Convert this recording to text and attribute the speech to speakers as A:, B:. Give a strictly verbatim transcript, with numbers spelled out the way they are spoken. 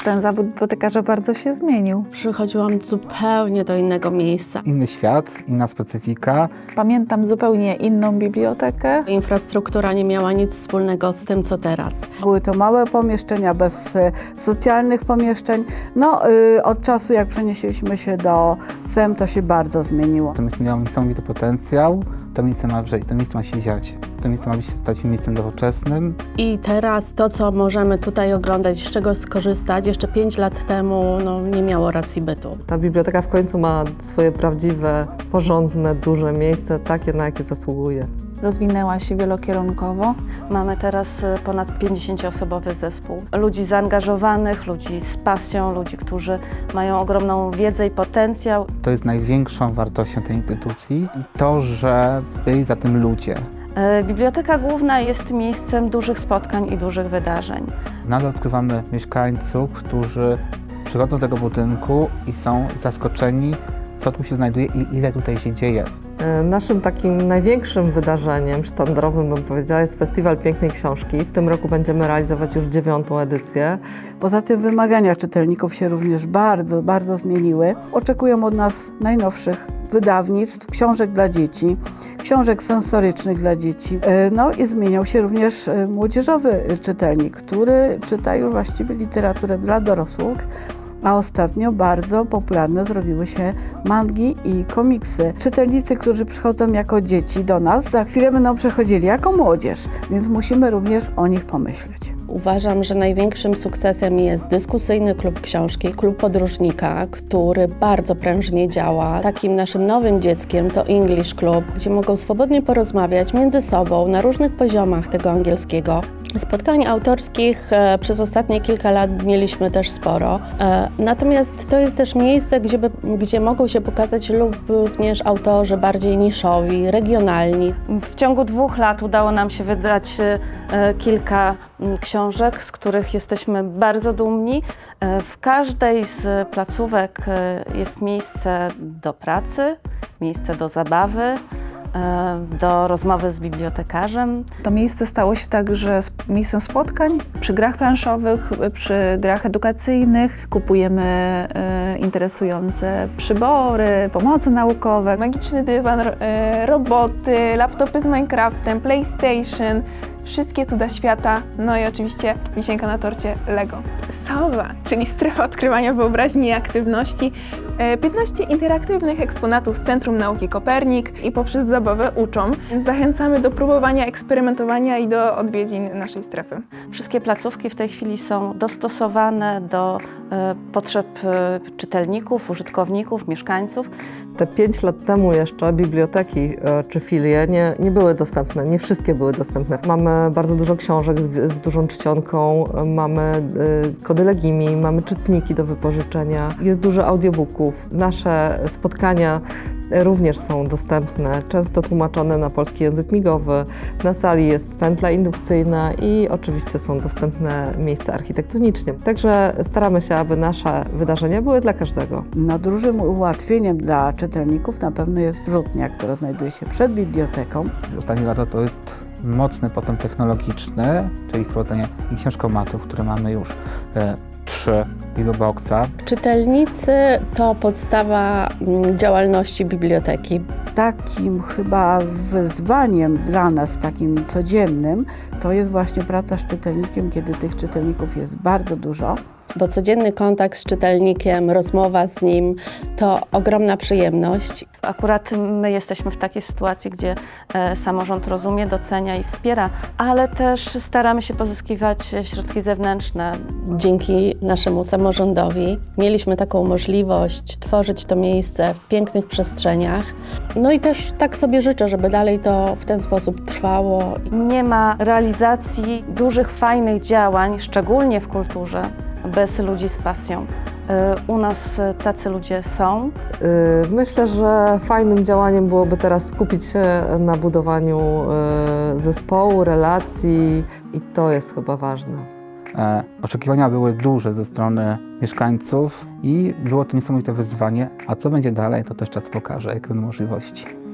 A: ten zawód bibliotekarza bardzo się zmienił.
B: Przychodziłam zupełnie do innego miejsca.
C: Inny świat, inna specyfika.
A: Pamiętam zupełnie inną bibliotekę.
B: Infrastruktura nie miała nic wspólnego z tym, co teraz.
D: Były to małe pomieszczenia bez e, socjalnych pomieszczeń. No, y, od czasu jak przenieśliśmy się do S E M, to się bardzo zmieniło.
C: To miejsce miało niesamowity potencjał. To miejsce ma wrzeć, to miejsce ma się dziać. To miejsce ma być stać się miejscem nowoczesnym.
B: I teraz to, co możemy tutaj oglądać, z czego skorzystać, jeszcze pięć lat temu no, nie miało racji bytu.
E: Ta biblioteka w końcu ma swoje prawdziwe, porządne, duże miejsce, takie, na jakie zasługuje.
A: Rozwinęła się wielokierunkowo.
F: Mamy teraz ponad pięćdziesięcioosobowy zespół. Ludzi zaangażowanych, ludzi z pasją, ludzi, którzy mają ogromną wiedzę i potencjał.
C: To jest największą wartością tej instytucji. To, że byli za tym ludzie.
F: Biblioteka Główna jest miejscem dużych spotkań i dużych wydarzeń.
C: Nadal odkrywamy mieszkańców, którzy przychodzą do tego budynku i są zaskoczeni, co tu się znajduje i ile tutaj się dzieje.
E: Naszym takim największym wydarzeniem sztandarowym, bym powiedziała, jest Festiwal Pięknej Książki. W tym roku będziemy realizować już dziewiątą edycję.
D: Poza tym wymagania czytelników się również bardzo, bardzo zmieniły. Oczekują od nas najnowszych wydawnictw, książek dla dzieci, książek sensorycznych dla dzieci. No i zmieniał się również młodzieżowy czytelnik, który czyta już właściwie literaturę dla dorosłych. A ostatnio bardzo popularne zrobiły się mangi i komiksy. Czytelnicy, którzy przychodzą jako dzieci do nas, za chwilę będą przechodzili jako młodzież, więc musimy również o nich pomyśleć.
B: Uważam, że największym sukcesem jest dyskusyjny klub książki, klub podróżnika, który bardzo prężnie działa. Takim naszym nowym dzieckiem to English Club, gdzie mogą swobodnie porozmawiać między sobą na różnych poziomach tego angielskiego. Spotkań autorskich e, przez ostatnie kilka lat mieliśmy też sporo. E, natomiast to jest też miejsce, gdzie, by, gdzie mogą się pokazać również autorzy bardziej niszowi, regionalni.
F: W ciągu dwóch lat udało nam się wydać e, kilka m, książek, z których jesteśmy bardzo dumni. E, w każdej z placówek e, jest miejsce do pracy, miejsce do zabawy, do rozmowy z bibliotekarzem.
A: To miejsce stało się także miejscem spotkań przy grach planszowych, przy grach edukacyjnych. Kupujemy e, interesujące przybory, pomoce naukowe.
G: Magiczny dywan, e, roboty, laptopy z Minecraftem, PlayStation, wszystkie cuda świata, no i oczywiście wisienka na torcie Lego. Sowa, czyli strefa odkrywania wyobraźni i aktywności, piętnaście interaktywnych eksponatów z Centrum Nauki Kopernik i poprzez zabawę uczą. Więc zachęcamy do próbowania, eksperymentowania i do odwiedzin naszej strefy.
F: Wszystkie placówki w tej chwili są dostosowane do e, potrzeb e, czytelników, użytkowników, mieszkańców.
E: Te pięć lat temu jeszcze biblioteki e, czy filie nie, nie były dostępne, nie wszystkie były dostępne. Mamy bardzo dużo książek z, z dużą czcionką, mamy e, kody Legimi, mamy czytniki do wypożyczenia, jest dużo audiobooków. Nasze spotkania również są dostępne, często tłumaczone na polski język migowy. Na sali jest pętla indukcyjna i oczywiście są dostępne miejsca architektonicznie. Także staramy się, aby nasze wydarzenia były dla każdego.
D: No, dużym ułatwieniem dla czytelników na pewno jest wrzutnia, która znajduje się przed biblioteką.
C: Ostatnie lata to jest mocny postęp technologiczny, czyli wprowadzenie i książkomatów, które mamy już e, trzy Biblioboxa.
B: Czytelnicy to podstawa działalności biblioteki.
D: Takim chyba wyzwaniem dla nas, takim codziennym, to jest właśnie praca z czytelnikiem, kiedy tych czytelników jest bardzo dużo.
B: Bo codzienny kontakt z czytelnikiem, rozmowa z nim to ogromna przyjemność.
F: Akurat my jesteśmy w takiej sytuacji, gdzie e, samorząd rozumie, docenia i wspiera, ale też staramy się pozyskiwać środki zewnętrzne.
B: Dzięki naszemu samorządowi mieliśmy taką możliwość tworzyć to miejsce w pięknych przestrzeniach. No i też tak sobie życzę, żeby dalej to w ten sposób trwało.
F: Nie ma realizacji dużych, fajnych działań, szczególnie w kulturze, bez ludzi z pasją. U nas tacy ludzie są.
E: Myślę, że fajnym działaniem byłoby teraz skupić się na budowaniu zespołu, relacji i to jest chyba ważne.
C: E, oczekiwania były duże ze strony mieszkańców i było to niesamowite wyzwanie. A co będzie dalej, to też czas pokaże, jakie będą możliwości.